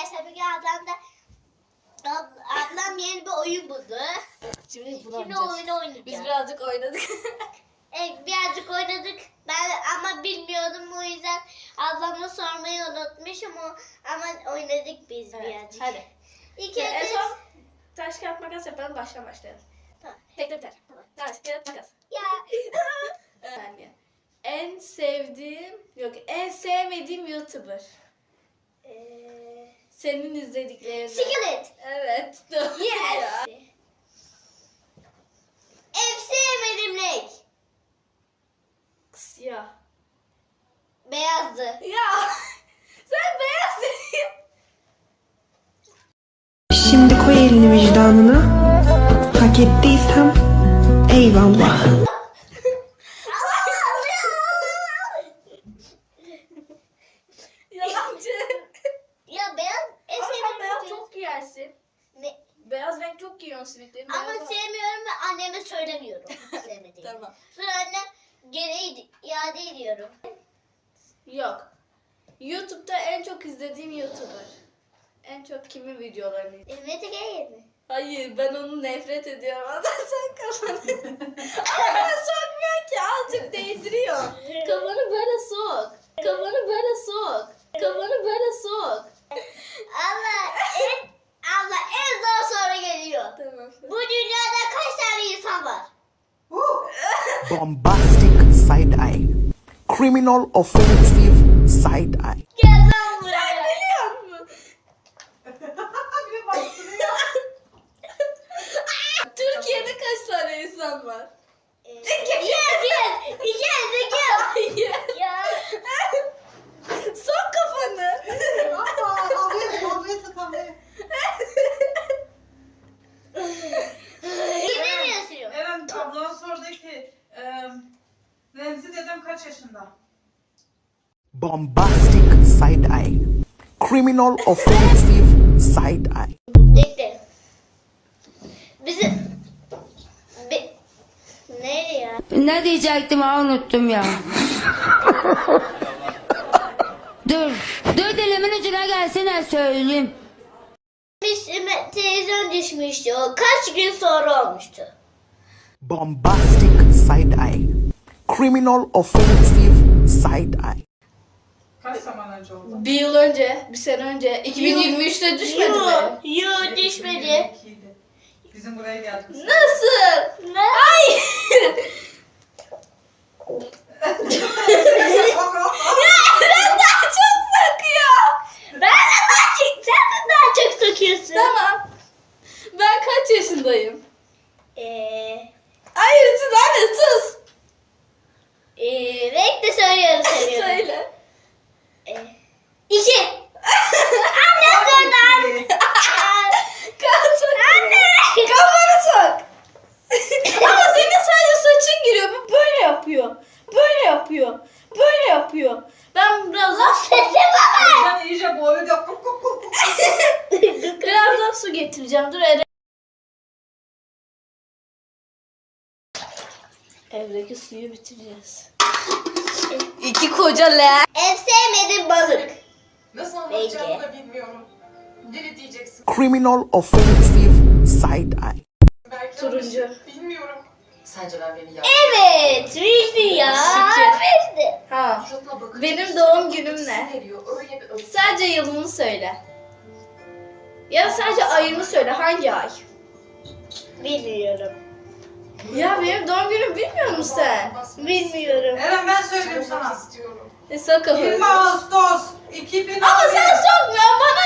arkadaşlar bugün ablam yeni bir oyun buldu. Şimdi oyunu oynayacağız. Biz birazcık oynadık. Evet, birazcık oynadık. Ben ama bilmiyordum, o yüzden ablama sormayı unutmuşum ama oynadık biz Evet, birazcık. hadi. İlk En önce son taş kağıt makas yapalım, başlayalım. Tamam. Tek biter. Taş kağıt makas. Ya. Yani en sevmediğim YouTuber. Senin izlediklerin. Skillet. Evet. Doğru ya. Yes. En sevmediğim renk. Siyah. Beyazdı. Ya sen beyaz. Şimdi koy elini vicdanına. Hak ettiysem eyvallah. Yalancı. Ya beyaz en Ama sen sevmediğim beyaz renk. çok giyersin. Ne? Beyaz renk çok giyiyorsun simitlerin. Ama sevmiyorum ve anneme söylemiyorum sevmediğimi. Tamam. Sonra annem geri iade ediyorum. Yok. YouTube'da en çok izlediğim YouTuber. En çok kimin videolarını izliyorsun? Mete Geyir mi? Hayır, ben onu nefret ediyorum. Ama sen kafanı... Ama sokmuyor ki, azıcık değdiriyor. Kafanı böyle sok. Kafanı böyle sok. Kafanı böyle sok. Allah en zor soru geliyor. Tamam. Bu dünyada kaç tane insan var? Bombastic side eye. Criminal offensive side eye. Gel lan Sen buraya. biliyor musun? Türkiye'de kaç tane insan var? Yes. Hayır. Ya. Sok kafanı. Kimi mi yazıyor? Eren ablana sordu ki Remzi dedem kaç yaşında? Bombastic side eye. Criminal offensive side eye. Bekle. Nereye ya? Ne diyecektim ha unuttum ya. dur. Dur dilimin ucuna gelsene söyleyeyim. Televizyon düşmüştü o. Kaç gün sonra olmuştu? Bombastic side eye. Criminal offensive side eye. Kaç zaman önce oldu? Bir yıl önce, bir sene önce, 2023'te düşmedi mi? Yok düşmedi. 2022'ydi. Bizim buraya geldik. Nasıl? Ne? Hayır. Eren daha çok sakıyor. Ben de daha çok, sen de daha çok sokuyorsun. Tamam. Ben kaç yaşındayım? Hayır siz anne sus. Bekle söylüyorum. Söyle. 2. Anne sordu. Anne. Kafanı sok. Ama senin sadece saçın giriyor. Bu böyle yapıyor. Böyle yapıyor. Böyle yapıyor. Ben biraz daha Sesi baba. Sen iyice boyu da kup kup kup kup. biraz daha su getireceğim. Dur Eren. Evdeki suyu bitireceğiz. 2 koca leğen. En sevmediğim balık. Nasıl anlatacağımı da bilmiyorum. Deli diyeceksin. Criminal offensive side eye. Belki Turuncu. yanlış. Bilmiyorum. Sence ben beni yaptım. Evet. Bildi ya. Şükür. Bildi. Ha. Suratına bakınca Benim işte doğum bir günüm etkisi ne? veriyor. Öyle bir öfke. Sadece yılını söyle. Ya da sadece ayını söyle. Hangi ay? Bilmiyorum. Ya benim doğum günüm bilmiyor musun sen? Bilmiyorum. Eren ben söyleyeyim Söylemek sana. istiyorum. Sok kafanı. 20 Ağustos 2000. Ama sen sokmuyorsun, bana